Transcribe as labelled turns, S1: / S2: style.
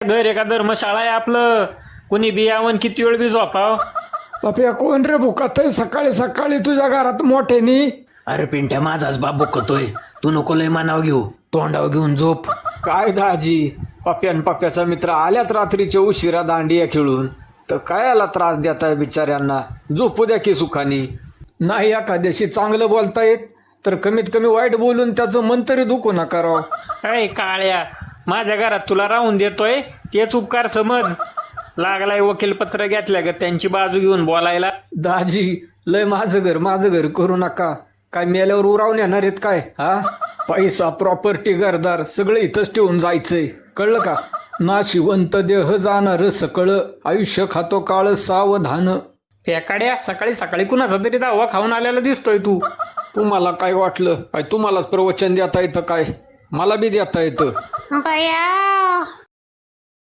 S1: घर एका धर्मशाळा आहे आपलं, कोणी बियावं किती वेळ बी झोपाव.
S2: बाप्या कोण रे भुकात सकाळी सकाळी तुझ्या घरात मोठ्यानी?
S3: अरे पिंट्या माझाच बाप बोकतोय, तू नको लय मानाव घेऊ, तोंडाव घेऊन झोप.
S2: काय दाजी, पप्प्यान पप्प्याचा मित्र आल्यात रात्रीच्या उशिरा दांडिया खेळून, तर काय याला त्रास देताय बिचाऱ्यांना? झोपू द्या की सुखानी. नाही एखाद्याशी चांगलं बोलता येत तर कमीत कमी वाईट बोलून त्याचं मन तरी दुखू नका राव.
S1: अय काळ्या, माझ्या घरात तुला राहून देतोय तेच उपकार समज. लागलाय वकीलपत्र घेतल्या ग त्यांची बाजू घेऊन बोलायला.
S2: दाजी लय माझं घर करू नका. काय मेल्यावर उरावून येणार आहेत काय? हा, पैसा प्रॉपर्टी घरदार सगळं इथंच ठेवून जायचंय, कळलं का? नाशिवंत देह जाणार सकळ, आयुष्य खातो काळ सावधान.
S1: फेकाड्या, सकाळी सकाळी कुणाचा तरी दावा खाऊन आलेला दिसतोय तू.
S2: तुम्हाला काय वाटलं काय तुम्हालाच प्रवचन देता येतं काय? मला बी देता येतं.
S4: बया